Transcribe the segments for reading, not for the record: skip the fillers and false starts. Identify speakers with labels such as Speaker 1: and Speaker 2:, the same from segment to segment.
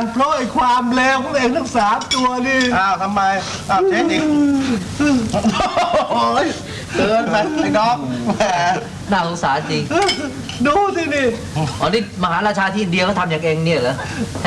Speaker 1: เพราะไอ้ความเลวของเองทั้ง3 ตัวนี่
Speaker 2: อ้าวทำไมอ้าวเช็ดอีกโอ้ยเกินไปไอ้ดอกแหม
Speaker 3: น่าสงสารจริง
Speaker 1: ดูสินี่
Speaker 3: อ๋อนี่มหาราชาที่อินเดียเขาทำอย่างเองเนี่ยเหรอให้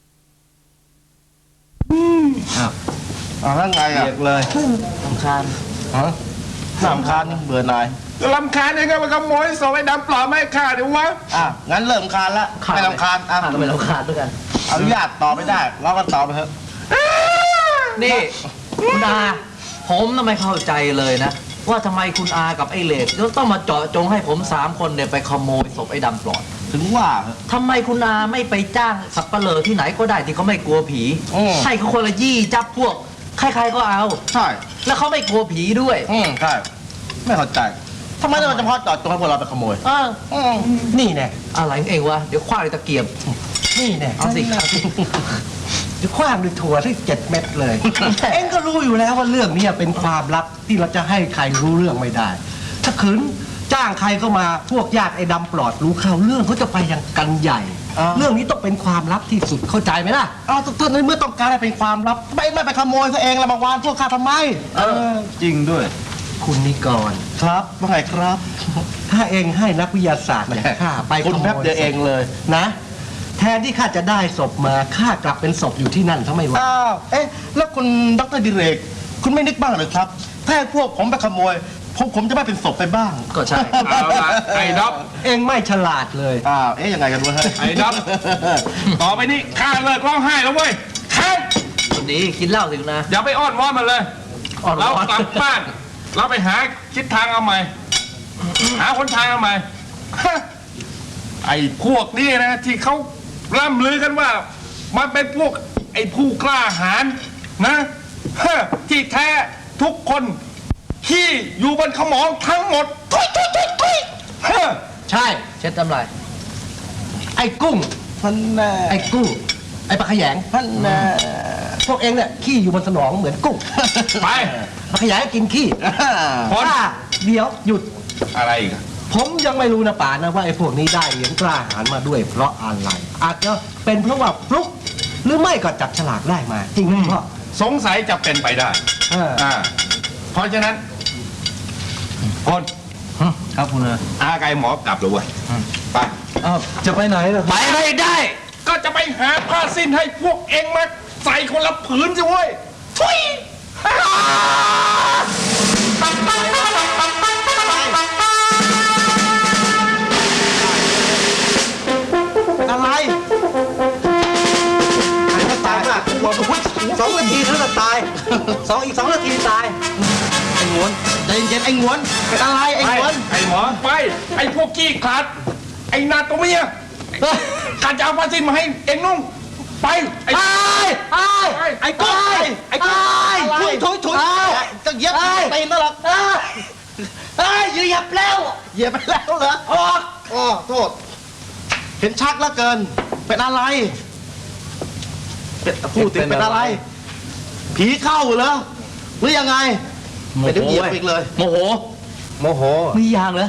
Speaker 2: อ้าวแล้วไงอ่ะ
Speaker 1: เรียกเลย
Speaker 3: สำคาญ
Speaker 2: ฮะน้ำคานนี่เบื่อหน่าย
Speaker 4: ลำคาญยังไงมันขโมยศพไอ้ดำปลอมไม่ฆ่าเดี๋ยววะ
Speaker 2: งั้นเริ่มคานละไม่รำคาญอ่ะ
Speaker 3: ข้าก็ไม่รำคาญด้วยกัน
Speaker 2: อนุญาตต่อไม่ได้เราก็ต่อไปเถอะ
Speaker 3: นี่คุณอาผมทำไมเข้าใจเลยนะ ว่าทำไมคุณอากับไอ้เหล็กต้องมาเจาะจงให้ผม3 คนเนี่ยไปขโมยศพไอ้ดำปลอด
Speaker 2: ถึงว่าเถอะ
Speaker 3: ทำไมคุณอาไม่ไปจ้างสับปะเลอที่ไหนก็ได้ที่เขาไม่กลัวผี ให้เขาคนละยี่จับพวกใครๆก็เอา
Speaker 2: ใช่
Speaker 3: แล้วเขาไม่กลัวผีด้วย
Speaker 2: ใช่ไม่เข้าใจทำไมต้องเฉพาะเจอดจงให้พวกเราไปขโมย
Speaker 1: นี่แน่
Speaker 3: อะไรของเองวะเดี๋ยวคว้าเลยตะเกียบ
Speaker 1: นี่แน่
Speaker 3: เอาสิ
Speaker 1: จะคว้างด้วยถั่วที่7 เม็ดเลย เอ็งก็รู้อยู่แล้วว่าเรื่องนี้เป็นความลับที่เราจะให้ใครรู้เรื่องไม่ได้ ถ้าขืนจ้างใครเข้ามาพวกญาติไอ้ดำปลอดรู้เข้าเรื่องเขาจะไปยังกันใหญ่ เรื่องนี้ต้องเป็นความลับที่สุดเข้าใจไหมล่ะ
Speaker 2: อ้าวท่านในเมื่อต้องการให้เป็นความลับไม่ไปขโมยซะเองละมาวานพวกข้าทำไมจริงด้วย
Speaker 1: คุณนิกร
Speaker 2: ครับว่าไงครับ
Speaker 1: ถ้าเองให้นักวิทยาศาสตร์อย่างข้าไป
Speaker 2: คุณ
Speaker 1: ขโม
Speaker 2: แป๊บเดียวเองเลย
Speaker 1: นะ แทนที่ข้าจะได้ศพมาข้ากลับเป็นศพอยู่ที่นั่นทำไมวะ
Speaker 2: อ้าวแล้วคุณดรดิเรก คุณไม่นึกบ้างเหรือครับ ถ้าให้พวกผมไปขโมยผมจะไม่เป็นศพไปบ้าง
Speaker 3: ก็ใช่
Speaker 4: เอาละไอ้ดับ
Speaker 1: เองไม่ฉลาดเลย
Speaker 2: อ้าวยังไงกันวะเฮ้ย
Speaker 4: ไอ้ดับต่อไปนี้ข้าเลิกร้องไห้แล้วเว้ยข้า
Speaker 3: คนนี้กินเหล้าสิคุณอา
Speaker 4: อย่าไปอ้อนวอนมันเลย
Speaker 3: อ่อนว
Speaker 4: เรา
Speaker 3: อน
Speaker 4: กลับบ้าน เราไปหาคิดทางเอาใหม่ หาคนทางเอาใหม่ ไอ้พวกนี้นะที่เขาร่ำลือกันว่า มันเป็นพวกไอ้ผู้กล้าหาญนะที่แท้ทุกคนที่อยู่บนขมองทั้งหมดทุยเฮ้อ
Speaker 3: ใช่เช็ดน้ำลาย
Speaker 1: ไอ้กุ้ง
Speaker 2: ท่านแน่
Speaker 1: ไอ้กุ้ง ไอ้ปลาขยง
Speaker 2: ท่านแน่
Speaker 1: พวกเองเนี่ยขี้อยู่บนสมองเหมือนกุ้ง
Speaker 4: ไป
Speaker 1: ปลาขยงกินขี้
Speaker 4: พอ
Speaker 1: เดี๋ยวหยุด
Speaker 4: อะไรอีกอะ
Speaker 1: ผมยังไม่รู้นะป่านะว่าไอ้พวกนี้ได้เหรียญกล้าหาญมาด้วยเพราะอะไร อาจจะเป็นเพราะว่าฟลุกหรือไม่ก็จับฉลากได้มาจริงไหมพ่อ
Speaker 4: สงสัยจะเป็นไปได้
Speaker 1: เออ
Speaker 4: เพราะฉะนั้นพล
Speaker 1: ครับคุณอา
Speaker 4: อาไกหมอกลับเลยเว้ยไป
Speaker 1: จะไปไหนล่ะ
Speaker 3: ไปไม่ได้
Speaker 4: ก็จะไปหาผ้าสิ้นให้พวกเองมาใส่คนละผืนสิเว้ยทุย
Speaker 1: อะไรใครก็ตายมากบอกว่า2 นาทีเท่านั้นตายอีก 2 นาทีตาย
Speaker 2: ไอ้งวนใจเย็นๆไอ้งวนเป็นอะไรไอ้
Speaker 4: ไป
Speaker 2: งวน
Speaker 4: ไอ้หมอไป ไอ้พวกขี้ขลาดไอ้นาตัวเมียการจะเอาผ้าสิ้นมาให้เองนุ่งไปไอ้
Speaker 1: ไอ้กุ้งไอ้กุ้งถุย
Speaker 2: จะเหยียบตีนนั่นหรอ
Speaker 1: เหยียบแล้ว
Speaker 2: เหยียบไปแล้วเหรออ๋อโทษ เห็นชักแล้วเกิน เป็นอะไรพูดถึงเป็นอะไร ผีเข้าเหรอหรือยังไงไปเดี๋ยวเหยียบอีกเลย
Speaker 3: โมโห
Speaker 1: โมโห
Speaker 3: มีอย่างเหรอ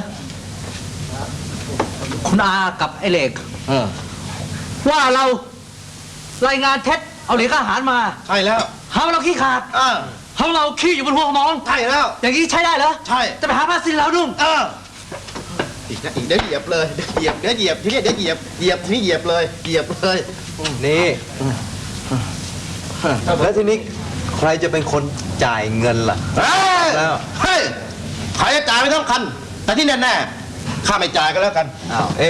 Speaker 3: คุณอากับไอ้เหล็ก ว่าเรารายงานเท็จเอาเหล็กอาหารมา
Speaker 2: ใช่แล้ว
Speaker 3: หาว่าเราขี้ขาดหาว่าเราขี้อยู่บนหัวสมอง
Speaker 2: ใช่แล้ว
Speaker 3: อย่างนี้ใช้ได้เหรอ
Speaker 2: ใช่
Speaker 3: จะไปหาผ้าสิ้นแล้วนุ่ง
Speaker 2: อีกเดี๋ยวเหยียบเลยเดี๋ยวเหยียบทีนี้เดี๋ยวเหยียบทีนี้เหยียบเลย
Speaker 1: นี่แล้วทีนี้ใครจะเป็นคนจ่ายเงินล่ะ
Speaker 2: แล้วเฮ้ยใครจะจ่ายไม่ต้องคัน แต่ที่แน่ๆข้าไม่จ่ายก็แล้วกัน
Speaker 1: อ้าว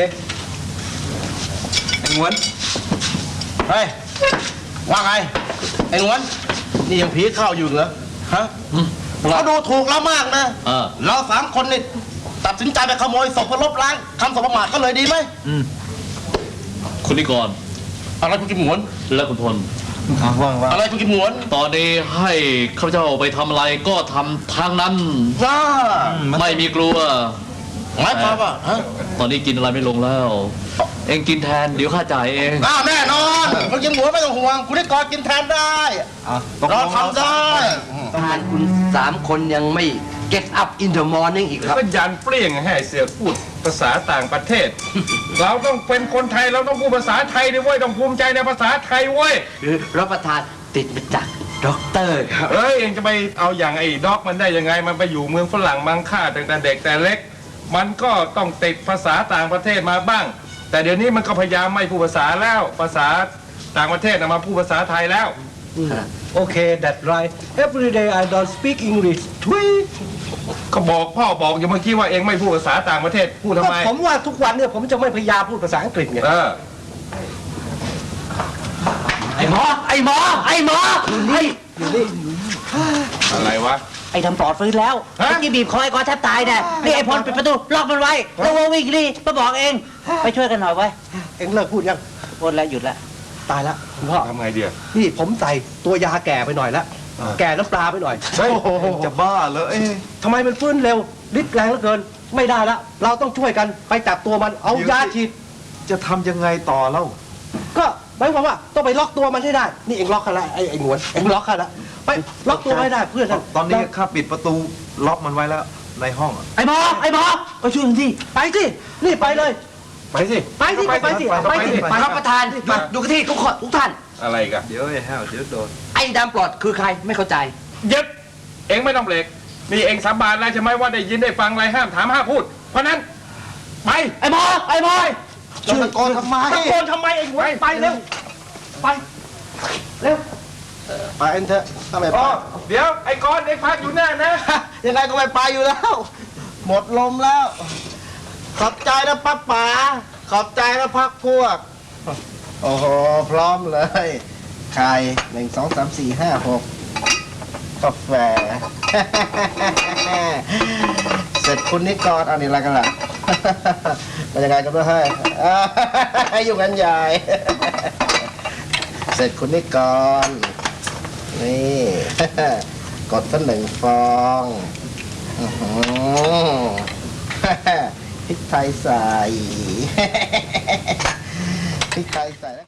Speaker 1: ไอ้งวน
Speaker 2: เฮ้ยว่าไงไอ้งวนนี่ยังผีเข้าอยู่เหรอฮะเขาดูถูกเรามากนะเรา3 คนนี่ตัดสินใจไปขโมยศพเพื่อลบล้างคำสบประมาทก็เลยดีไหม
Speaker 5: คุณนิกร
Speaker 2: อะไรคุณกิมหมวน
Speaker 5: และคุณพล
Speaker 2: อะไรคุณกิมหมวน
Speaker 5: ตอนนี้ให้ข้าพเจ้าไปทำอะไรก็ทำทางนั้น ไม่มีกลัว
Speaker 2: หมายความว่าฮะ
Speaker 5: ตอนนี้กินอะไรไม่ลงแล้ว เองกินแทนเดี๋ยวข้าจ่ายเอง
Speaker 2: แน่นอนคุณกิมหมวนไม่ต้องห่วงคุณได้กอดกินแทนได้เราทำได้
Speaker 6: ทานคุณ3 คนยังไม่
Speaker 1: get up in the morning อีกครับ
Speaker 4: ก็ยันเปรี้ยงให้เสือกพูดภาษาต่างประเทศ เราต้องเป็นคนไทยเราต้องพูดภาษาไทยดิเว้ยต้องภูมิใจในภาษาไทยเว้ย
Speaker 1: รับประทานติดมาจากด็อกเตอร์ครับ
Speaker 4: เอ้ยเองจะไปเอาอย่างไอ้ด็อกมันได้ยังไงมันไปอยู่เมืองฝรั่งมังค่าตั้งแต่เด็กแต่เล็ก มันก็ต้องติดภาษาต่างประเทศมาบ้าง แต่เดี๋ยวนี้มันก็พยายามไม่พูดภาษาแล้วภาษาต่างประเทศมาพูดภาษาไทยแล้ว
Speaker 1: โอเค that's right every day I don't speak English ทุย
Speaker 4: ก็บอกพ่อบอกอย่างเมื่อกี้ว่าเองไม่พูดภาษาต่างประเทศพูดทำไม
Speaker 1: ผมว่าทุกวันเนี่ยผมจะไม่พยายามพูดภาษาอังกฤษไง
Speaker 4: เออ
Speaker 3: ไอ้หมออยู่นี่
Speaker 4: อะไรวะ
Speaker 3: ไอ้ทำปลอดฟื้นแล้ว
Speaker 4: ฮะ
Speaker 3: เมื่อกี้บีบคอไอ้กอแทบตายเนี่ยนี่ไอ้พลปิดประตูล็อกมันไว้แล้วว่าวิ่งนี่มาบอกเอง ไปช่วยกันหน่อยไว้ย
Speaker 1: เอ็งเลิกพูดยัง
Speaker 3: หมดแล้วหยุดแล้ว
Speaker 1: ตายละคุณพ่อ
Speaker 4: ทำไงเดียว
Speaker 1: นี่ผมใส่ตัวยาแก่ไปหน่อยละแก่น้ำปลาไปหน่อย
Speaker 4: เฮ้ย
Speaker 2: จะบ้าเลย
Speaker 1: ทำไมมันฟื้นเร็วฤทธิ์แรงเหลือเกิน ไม่ได้ละเราต้องช่วยกันไปจับตัวมันเอายาฉีด
Speaker 2: จะทำยังไงต่อแล้ว
Speaker 1: ก็หมายความว่าต้องไปล็อกตัวมันให้ได้ นี่เอ็งล็อกกันละไอ้หนวนเอ็งล็อกกันละไปล็อกตัวให้ได้เพื่อน
Speaker 2: ตอนนี้ข้าปิดประตูล็อกมันไว้แล้วในห้องอะ
Speaker 3: ไอ้หมอไปช่วยกันที่
Speaker 1: ไปสินี่ไปเลย
Speaker 2: ไปสิ
Speaker 1: ไปสิไปสิไปสิ
Speaker 3: รับประทานดูกันที่ทุกคนทุกท่าน
Speaker 4: อะไรกัน
Speaker 2: เดี๋ยวไอ้แห้วเดี๋ยวโดน
Speaker 3: ไอ้ดำปลอดคือใครไม่เข้าใจ
Speaker 4: ยึดเองไม่ต้องเบรกนี่เองสาบานแล้วใช่ไหมว่าได้ยินได้ฟังอะไรห้ามถามห้ามพูด เพราะนั้นไป
Speaker 3: ไอ้หมอ
Speaker 2: จะตะโกนทำไม
Speaker 1: ตะโกนทำไมเอ็งวะไปเร็วไปเร็ว
Speaker 2: ไปเอ็นเถอะทำไม
Speaker 4: อ๋อเดี๋ยวไอ้กอนเองพักอยู่แน่นะ
Speaker 2: ยังไงก็ไม่ไปอยู่แล้ว หมดลมแล้ว ขอบใจนะป้าป๋าขอบใจนะพักพวก โอ้โห พร้อมเลย ไข่1 2 3 4 5 6กาแฟ เสร็จคุณนิกรเอานี่อะไรกันล่ะ เป็นยังไงกันด้วยให้ อยู่กันใหญ่ เสร็จคุณนิกรนี่ กดสัก1 ฟองอื้อหือ พริกไทยใส่ พริกไทยใส่